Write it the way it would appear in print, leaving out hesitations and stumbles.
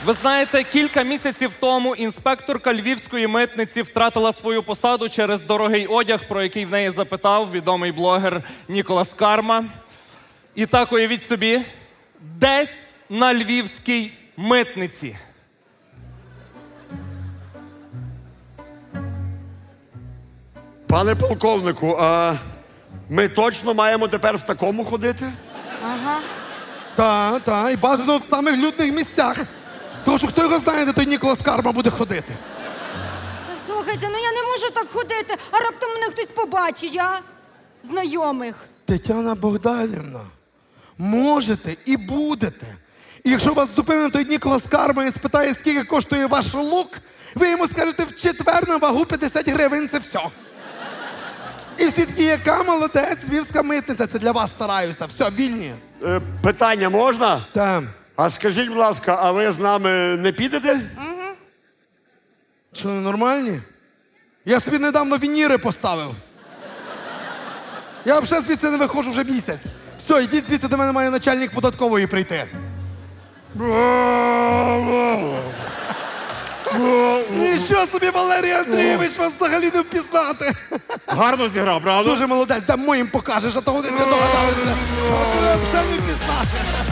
Ви знаєте, кілька місяців тому інспекторка львівської митниці втратила свою посаду через дорогий одяг, про який в неї запитав відомий блогер Ніколас Карма. І так, уявіть собі, десь на львівській митниці. Пане полковнику, а ми точно маємо тепер в такому ходити? Та, і бажано в самих людних місцях. Тому що хто його знає, де той Ніколас Карма буде ходити. Слухайте, ну я не можу так ходити, а раптом мене хтось побачить, а? Знайомих. Тетяна Богданівна, можете і будете. І якщо вас зупине той Ніколас Карма і спитає, скільки коштує ваш лук, ви йому скажете в четвер на вагу 50 гривень, це все. І всі такі, яка молодець, львівська митниця, це для вас стараюся. Все, вільні. Питання можна? Та. А скажіть, будь ласка, а ви з нами не підете? Що, ненормальні? Я собі недавно вініри поставив. Я взагалі звідси не виходжу вже місяць. Все, йдіть звідси, до мене має начальник податкової прийти. Нічого собі, Валерій Андрійович, вас взагалі не впізнати. Гарно зіграв, правда? Дуже молодець, дай моїм покажеш, а того не догадалися. Взагалі не впізнати.